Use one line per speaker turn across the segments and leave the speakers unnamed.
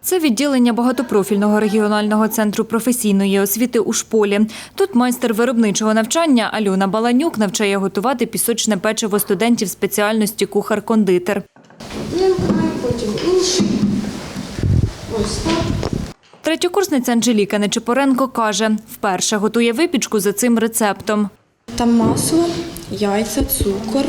Це відділення багатопрофільного регіонального центру професійної освіти у Шполі. Тут майстер виробничого навчання Альона Баланюк навчає готувати пісочне печиво студентів спеціальності кухар-кондитер.
Потім інший. Ось так.
Третьокурсниця Анжеліка Нечипоренко каже, вперше готує випічку за цим рецептом.
Там масло, яйця, цукор,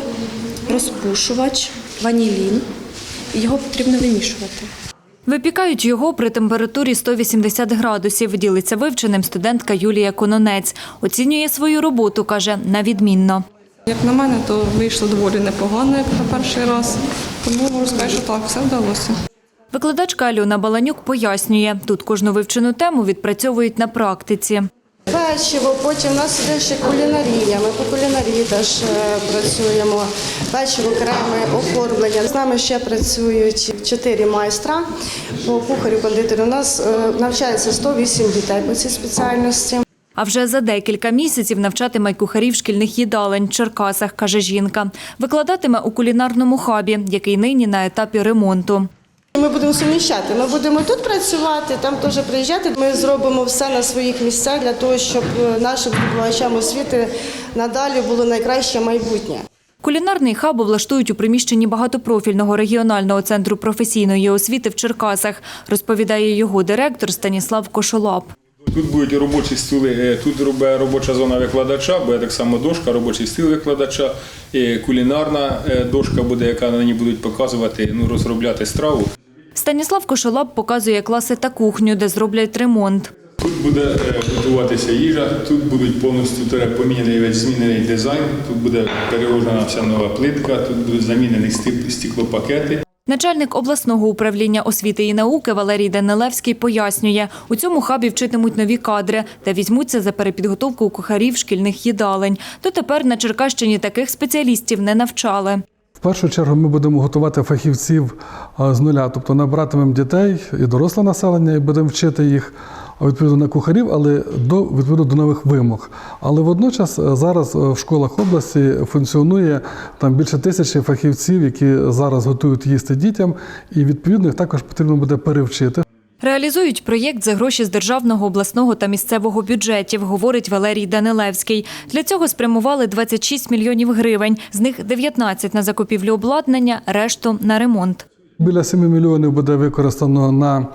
розпушувач, ванілін. Його потрібно вимішувати.
Випікають його при температурі 180 градусів, ділиться вивченим студентка Юлія Кононець. Оцінює свою роботу, каже, на відмінно.
Як на мене, то вийшло доволі непогано, як на перший раз. Тому можу сказати, що так, все вдалося.
Викладачка Альона Баланюк пояснює, тут кожну вивчену тему відпрацьовують на практиці.
Печиво, потім у нас іде ще кулінарія. Ми по кулінарії теж працюємо. Печиво, креми, оформлення. З нами ще працюють 4 майстра по кухарю-кондитеру. У нас навчається 108 дітей по цій спеціальності.
А вже за декілька місяців навчатиме кухарів шкільних їдалень в Черкасах, каже жінка. Викладатиме у кулінарному хабі, який нині на етапі ремонту.
Ми будемо суміщати. Ми будемо тут працювати, там теж приїжджати. Ми зробимо все на своїх місцях для того, щоб нашим здобувачам освіти надалі було найкраще майбутнє.
Кулінарний хаб облаштують у приміщенні багатопрофільного регіонального центру професійної освіти в Черкасах, розповідає його директор Станіслав Кошолап.
Тут будуть робочі стіли, тут робоча зона викладача, буде так само дошка, робочий стіл викладача, і кулінарна дошка буде, яка на ній будуть показувати, розробляти страву.
Станіслав Кошолап показує класи та кухню, де зроблять ремонт.
Тут буде готуватися їжа, тут будуть повністю поміняний весь змінений дизайн, тут буде переложена вся нова плитка, тут будуть замінені стеклопакети.
Начальник обласного управління освіти і науки Валерій Данилевський пояснює, у цьому хабі вчитимуть нові кадри та візьмуться за перепідготовку кухарів шкільних їдалень. Дотепер на Черкащині таких спеціалістів не навчали.
В першу чергу ми будемо готувати фахівців з нуля, тобто набиратимемо дітей і доросле населення, і будемо вчити їх відповідно на кухарів, але відповідно до нових вимог. Але водночас зараз в школах області функціонує там більше 1000 фахівців, які зараз готують їсти дітям, і відповідно їх також потрібно буде перевчити.
Реалізують проєкт за гроші з державного, обласного та місцевого бюджетів, говорить Валерій Данилевський. Для цього спрямували 26 мільйонів гривень, з них 19 на закупівлю обладнання, решту на ремонт.
Біля 7 мільйонів буде використано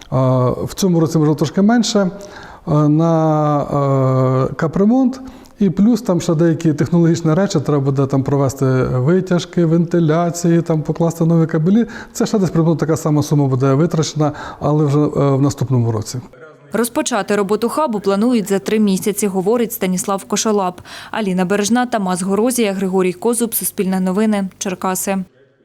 в цьому році, може, трошки менше, на капремонт. І плюс там ще деякі технологічні речі, треба буде там провести витяжки, вентиляції, там покласти нові кабелі. Це ще десь приблизно така сама сума буде витрачена, але вже в наступному році.
Розпочати роботу хабу планують за 3 місяці, говорить Станіслав Кошолап. Аліна Бережна, Тамас Горозія, Григорій Козуб, Суспільне новини, Черкаси.